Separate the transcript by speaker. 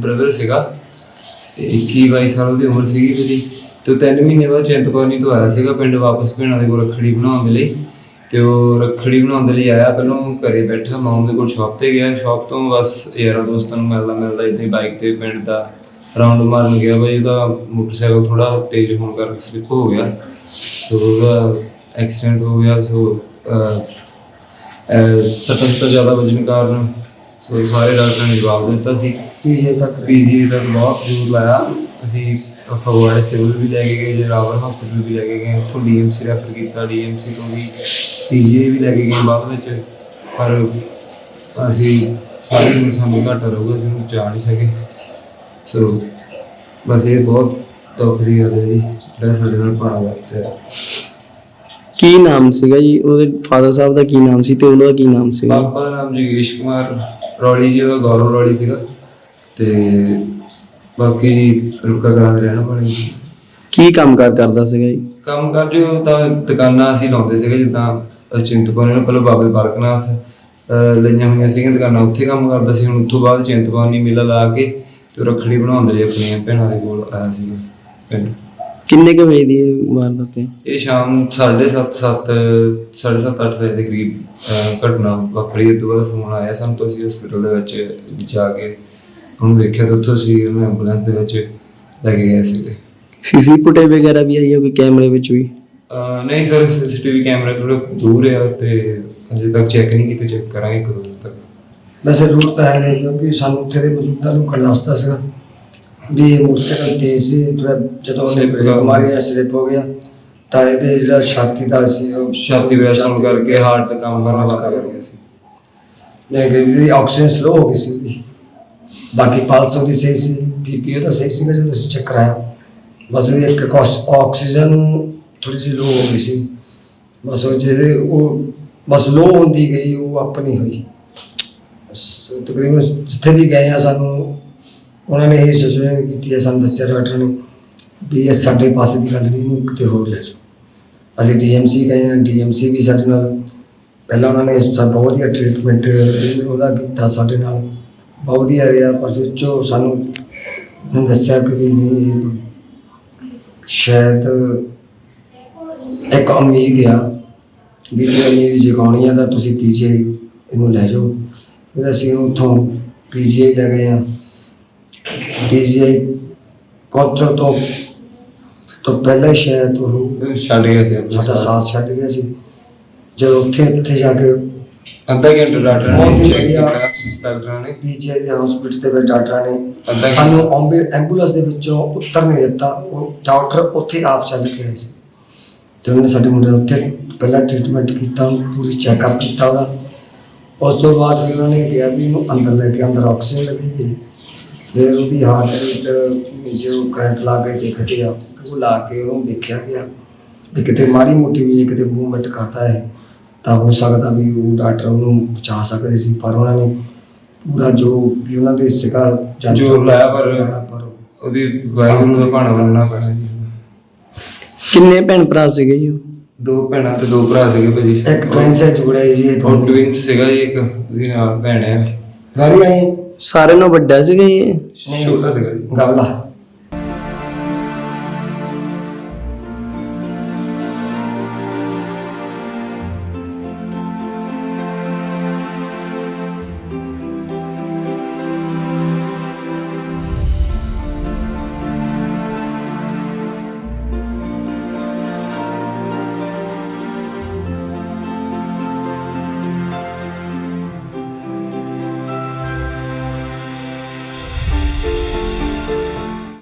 Speaker 1: Brother ਸੀਗਾ ਤੇ 21-22 ਸਾਲ ਉਹਦੀ ਉਮਰ ਸੀਗੀ ਮੇਰੀ। ਤੇ 3 ਮਹੀਨੇ ਬਾਅਦ ਚਿੰਤਪੁਰਨੀ ਤੋਂ ਆਇਆ ਸੀਗਾ ਪਿੰਡ ਵਾਪਸ ਭੈਣਾਂ ਦੇ ਕੋਲ ਰੱਖੜੀ ਬਣਾਉਣ ਦੇ ਲਈ। ਤੇ ਉਹ ਰੱਖੜੀ ਬਣਾਉਣ ਦੇ ਲਈ ਆਇਆ, ਪਹਿਲਾਂ ਘਰੇ ਬੈਠਾ, ਮੈਂ ਉਹਦੇ ਕੋਲ ਸ਼ੌਪ ਤੇ ਗਿਆ। ਸ਼ੌਪ ਤੋਂ ਬਸ ਯਾਰਾਂ ਦੋਸਤਾਂ ਨੂੰ ਮਿਲਦਾ ਇੱਦਾਂ ਹੀ ਬਾਈਕ ਤੇ ਪਿੰਡ ਦਾ ਰਾਊਂਡ ਮਾਰਨ ਗਿਆ। ਬਾਈ ਉਹਦਾ ਮੋਟਰਸਾਈਕਲ ਥੋੜਾ ਤੇਜ਼ ਹੋਣ ਕਰਕੇ ਸਲਿੱਪ ਹੋ ਗਿਆ, ਸੋ ਉਹਦਾ ਐਕਸੀਡੈਂਟ ਹੋ ਗਿਆ। ਸੋ ਸੱਟਾਂ ਜ਼ਿਆਦਾ ਵੱਜਣ ਕਾਰਨ ਸੋ ਸਾਰੇ ਡਾਕਟਰਾਂ ਨੇ ਜਵਾਬ ਦਿੱਤਾ ਸੀ। ਪੀਜੀ ਤੱਕ ਬਹੁਤ ਜ਼ੋਰ ਲਾਇਆ। ਅਸੀਂ ਫਗਵਾੜੇ ਸਿਵਲ ਵੀ ਲੈ ਕੇ ਗਏ, ਜਰਾਵਰ ਹਸਪੀਟਲ ਵੀ ਲੈ ਕੇ ਗਏ, ਉੱਥੋਂ DMC ਰੈਫਰ ਕੀਤਾ, DMC ਤੋਂ ਵੀ PGI ਵੀ ਲੈ ਕੇ ਗਏ ਬਾਅਦ ਵਿੱਚ। ਪਰ ਅਸੀਂ ਸਾਰੀ ਉਮਰ ਸਾਨੂੰ ਘਾਟਾ ਰਹੂਗਾ, ਜਿਹਨੂੰ ਜਾ ਨਹੀਂ ਸਕੇ। ਸੋ ਬਸ ਇਹ ਬਹੁਤ ਦੁੱਖ ਦੀ ਗੱਲ ਹੈ ਜੀ, ਜਿਹੜਾ ਸਾਡੇ ਨਾਲ ਭਾਣਾ ਵਾਪਰਿਆ।
Speaker 2: ਕੀ ਨਾਮ ਸੀਗਾ ਜੀ ਉਹਦੇ ਫਾਦਰ ਸਾਹਿਬ ਦਾ, ਕੀ ਨਾਮ ਸੀ ਤੇ ਉਹਨਾਂ ਦਾ ਕੀ ਨਾਮ ਸੀਗਾ?
Speaker 1: ਪਾਪਾ ਦਾ ਨਾਮ ਜਗੇਸ਼ ਕੁਮਾਰ ਰੌਲੀ ਜੀ, ਉਹਦਾ ਗੌਰਵ ਰੌਲੀ ਸੀਗਾ। ਤੇ ਬਾਕੀ ਜੀ ਰੁਕਾ ਕਰਾਂ ਦੇ ਰਹਿਣਾ ਵਾਲੇ ਜੀ।
Speaker 2: ਕੀ ਕੰਮ ਕਰਦਾ ਸੀਗਾ ਜੀ?
Speaker 1: ਕੰਮ ਕਰ ਜੋ ਤਾਂ ਦੁਕਾਨਾਂ ਅਸੀਂ ਲਾਉਂਦੇ ਸੀਗੇ, ਜਿੱਦਾਂ ਚਿੰਤਪੁਰਨੀ ਨੂੰ ਪਹਿਲਾਂ ਬਾਬੇ ਬਾਲਕਨਾਥ ਲਈਆਂ ਹੋਈਆਂ ਸੀਗੀਆਂ ਦੁਕਾਨਾਂ, ਉੱਥੇ ਕੰਮ ਕਰਦਾ ਸੀ। ਹੁਣ ਉੱਥੋਂ ਬਾਅਦ ਚਿੰਤਪੁਰਨੀ ਮੇਲਾ ਲਾ ਕੇ ਤੇ ਰੱਖੜੀ ਬਣਾਉਂਦੇ ਲਈ ਆਪਣੀਆਂ ਭੈਣਾਂ ਦੇ ਕੋਲ ਆਇਆ ਸੀਗਾ ਪਿੰਡ।
Speaker 2: ਕਿੰਨੇ ਕੁ ਵਜੇ ਦੀ ਵਾਰਦਾਤ ਹੈ?
Speaker 1: ਇਹ ਸ਼ਾਮ 7:30 8 ਵਜੇ ਦੇ ਕਰੀਬ ਘਟਨਾ ਵਾਪਰੀ। ਇਹ ਤੋਂ ਬਾਅਦ ਫੋਨ ਆਇਆ ਸਾਨੂੰ, ਤਾਂ ਅਸੀਂ ਹਸਪੀਟਲ ਦੇ ਵਿੱਚ ਜਾ ਕੇ ਉਹਨੂੰ ਦੇਖਿਆ ਤਾਂ ਉੱਥੋਂ ਅਸੀਂ ਉਹਨੂੰ ਐਂਬੂਲੈਂਸ ਦੇ ਵਿੱਚ ਲੈ ਕੇ ਗਏ ਸੀਗੇ।
Speaker 2: CCTV ਫੁਟੇਜ ਵਗੈਰਾ ਵੀ ਆਈ ਹੈ ਕੋਈ ਕੈਮਰੇ ਵਿੱਚ ਵੀ?
Speaker 1: ਨਹੀਂ ਸਰ, CCTV ਕੈਮਰਾ ਥੋੜਾ ਦੂਰ ਆ ਤੇ ਅਜੇ ਤੱਕ ਚੈੱਕ ਨਹੀਂ ਕੀਤੇ, ਚੈੱਕ ਕਰਾਂਗੇ ਕਦੋਂ ਤੱਕ।
Speaker 3: ਵੈਸੇ ਰੂਟ ਤਾਂ ਹੈ ਨਹੀਂ, ਕਿਉਂਕਿ ਸਾਨੂੰ ਉੱਥੇ ਦੇ ਮੌਜੂਦਾ ਲੋਕਾਂ ਨੇ ਦੱਸਤਾ ਸੀਗਾ ਵੀ ਇਹ ਮੋਟਰਸਾਈਕਲ ਤੇਜ਼ ਸੀ। ਥੋੜਾ ਜਦੋਂ ਉਹਨੇ ਬ੍ਰੇਕ ਮਾਰੀ ਸਲਿੱਪ ਹੋ ਗਿਆ ਤਾਂ ਇਹਦੇ ਜਿਹੜਾ ਛਾਤੀ ਦਾ ਸੀ ਉਹ
Speaker 1: ਛਾਤੀ ਵੈਸ ਹੋਣ ਕਰਕੇ ਹਾਰਟ ਦਾ ਕੰਮ ਕਰਨਾ ਬੰਦ ਕਰ ਗਿਆ ਸੀ।
Speaker 3: ਨਹੀਂ, ਆਕਸੀਜਨ ਸਲੋ ਹੋ ਗਈ ਸੀ ਉਹਦੀ। ਬਾਕੀ ਪਲਸ ਉਹਦੀ ਸਹੀ ਸੀ, BP ਉਹਦਾ ਸਹੀ ਸੀਗਾ ਜਦੋਂ ਅਸੀਂ ਚੈੱਕ ਕਰਾਇਆ। ਬਸ ਉਹਦੀ ਇੱਕ ਆਕਸੀਜਨ ਥੋੜੀ ਜਿਹੀ ਲੋ ਹੋ ਗਈ ਸੀ। ਬਸ ਉਹ ਜਿਹਦੇ ਉਹ ਬਸ ਲੋ ਹੁੰਦੀ ਗਈ, ਉਹ ਆਪਣੀ ਹੋਈ। ਤਕਰੀਬਨ ਜਿੱਥੇ ਵੀ ਗਏ ਆ ਸਾਨੂੰ ਉਹਨਾਂ ਨੇ ਇਹ ਸਜੈਸ਼ਨ ਕੀਤੀ ਹੈ, ਸਾਨੂੰ ਦੱਸਿਆ ਡਾਕਟਰ ਨੇ ਵੀ ਇਹ ਸਾਡੇ ਪਾਸੇ ਦੀ ਗੱਲ ਨਹੀਂ, ਇਹਨੂੰ ਕਿਤੇ ਹੋਰ ਲੈ ਜਾਓ। ਅਸੀਂ DMC ਗਏ ਹਾਂ, DMC ਵੀ ਸਾਡੇ ਨਾਲ ਪਹਿਲਾਂ ਉਹਨਾਂ ਨੇ ਬਹੁਤ ਵਧੀਆ ਟ੍ਰੀਟਮੈਂਟ ਉਹਦਾ ਕੀਤਾ, ਸਾਡੇ ਨਾਲ ਬਹੁਤ ਵਧੀਆ ਰਿਹਾ। ਪਰ ਜੋ ਸਾਨੂੰ ਦੱਸਿਆ ਕਿ ਵੀ ਨਹੀਂ, ਸ਼ਾਇਦ ਇੱਕ ਉਮੀਦ ਆ ਵੀ ਉਮੀਦ ਜਗਾਉਣੀ ਆ ਤਾਂ ਤੁਸੀਂ PGI ਇਹਨੂੰ ਲੈ ਜਾਓ। ਫਿਰ ਅਸੀਂ ਉੱਥੋਂ PGI ਲੈ ਗਏ ਹਾਂ। PGI ਪਹੁੰਚਣ ਤੋਂ ਪਹਿਲਾਂ ਹੀ ਸ਼ਾਇਦ ਉਹ
Speaker 1: ਛੱਡ ਗਿਆ ਸੀ,
Speaker 3: ਸਾਡਾ ਸਾਥ ਛੱਡ ਗਿਆ ਸੀ। ਜਦੋਂ ਉੱਥੇ ਜਾ ਕੇ
Speaker 1: ਅੱਧਾ ਘੰਟਾ ਡਾਕਟਰਾਂ ਨੇ
Speaker 3: PGI ਦੇ ਹਸਪੀਟਲ ਦੇ ਵਿੱਚ ਡਾਕਟਰਾਂ ਨੇ ਸਾਨੂੰ ਐਂਬੂਲੈਂਸ ਦੇ ਵਿੱਚੋਂ ਉੱਤਰ ਨਹੀਂ ਦਿੱਤਾ। ਉਹ ਡਾਕਟਰ ਉੱਥੇ ਆਪ ਚੱਲ ਕੇ ਆਏ ਸੀ ਤੇ ਉਹਨੇ ਸਾਡੇ ਮੁੰਡੇ ਉੱਥੇ ਪਹਿਲਾਂ ਟ੍ਰੀਟਮੈਂਟ ਕੀਤਾ, ਪੂਰੀ ਚੈੱਕਅਪ ਕੀਤਾ ਉਹਦਾ। ਉਸ ਤੋਂ ਬਾਅਦ ਫਿਰ ਉਹਨਾਂ ਨੇ ਕਿਹਾ ਵੀ ਇਹਨੂੰ ਅੰਦਰ ਲੈ ਕੇ ਅੰਦਰ ਆਕਸੀਜਨ ਲੱਗੇਗੀ। ਫਿਰ ਉਹਦੀ ਹਾਰਟ ਵਿੱਚ ਜੋ ਕਰੰਟ ਲਾ ਕੇ ਦੇਖਦੇ ਆ, ਉਹ ਲਾ ਕੇ ਉਹਨੂੰ ਦੇਖਿਆ ਗਿਆ ਵੀ ਕਿਤੇ ਮਾੜੀ ਮੋਟੀ ਵੀ ਕਿਤੇ ਮੂਵਮੈਂਟ ਕਰਦਾ ਹੈ ਤਾਂ ਹੋ ਸਕਦਾ ਵੀ ਉਹ ਡਾਕਟਰ ਉਹਨੂੰ ਬਚਾ ਸਕਦੇ ਸੀ। ਪਰ ਉਹਨਾਂ ਨੇ ਪੂਰਾ ਜੋ ਵੀ ਉਹਨਾਂ ਦੇ ਸੀਗਾ
Speaker 1: ਜ਼ੋਰ ਲਾਇਆ, ਪਰ ਉਹਦੀ ਵਾਹਿਗੁਰੂ ਦਾ ਭਾਣਾ ਮੰਨਣਾ ਪੈਣਾ ਜੀ।
Speaker 2: ਕਿੰਨੇ ਭੈਣ ਭਰਾ ਸੀਗੇ ਜੀ?
Speaker 1: 2 ਭੈਣਾਂ ਤੇ 2 ਭਰਾ ਸੀਗੇ ਭਾਜੀ।
Speaker 3: ਇੱਕ ਟਵਿੰਸ ਹੈ ਜੁੜਿਆ ਜੀ, ਇਹ
Speaker 1: ਉਹ ਟਵਿੰਸ ਸੀਗਾ ਜੀ, ਇੱਕ ਉਹਦੀ ਨਾਲ ਭੈਣ ਹੈ।
Speaker 3: ਗਾੜੀ ਆਈ
Speaker 2: ਸਾਰਿਆਂ ਨਾਲੋਂ ਵੱਡਾ ਸੀਗਾ ਜੀ?
Speaker 1: ਛੋਟਾ ਸੀਗਾ ਜੀ।
Speaker 3: ਗਾਵਲਾ